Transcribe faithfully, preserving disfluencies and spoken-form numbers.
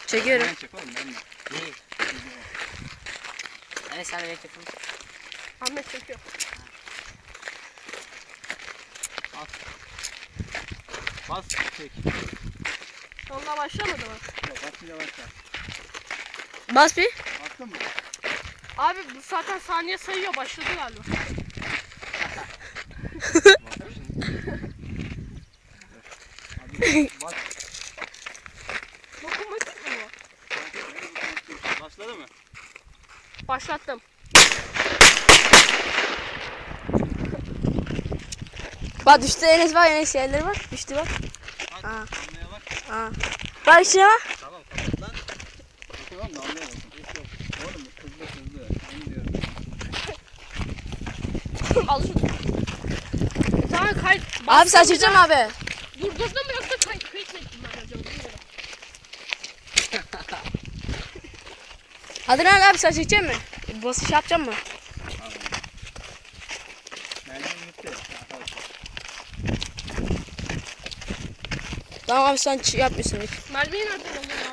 Çekiyorum. Ben çek oğlum ben de. İyi. Evet sen de bekle. Ahmet çekiyor. Bas. Bas çek. Onunla başlamadı mı? Yok basınca başla. Bas bir. Bastın mı? Abi bu zaten saniye sayıyor. Başladı galiba. Hadi bas. Dokunmatik mi bu? Başladı mı? Başlattım. Bak düştü Enes bak Enes yerleri var. Düştü bak. Bak Aa. damlaya bak. Aa. Bak içine bak. Tamam kapat lan. Tamam damlaya bak. Hiç yok. Oğlum hızlı hızlı. Onu diyorum. Al şunu. Tamam kayıt. Abi sen çekeceksin mi abi? Durdurdun mu yoksa kayıt kayıt mı ettin ben acaba? Bilmiyorum. Hadi lan abi sen çekeceksin mi? Basış yapacak mı? Merdiven gitti. Tamam abi sen ç- yapmıyorsun hiç. Mermiyi nereden alıyorsun?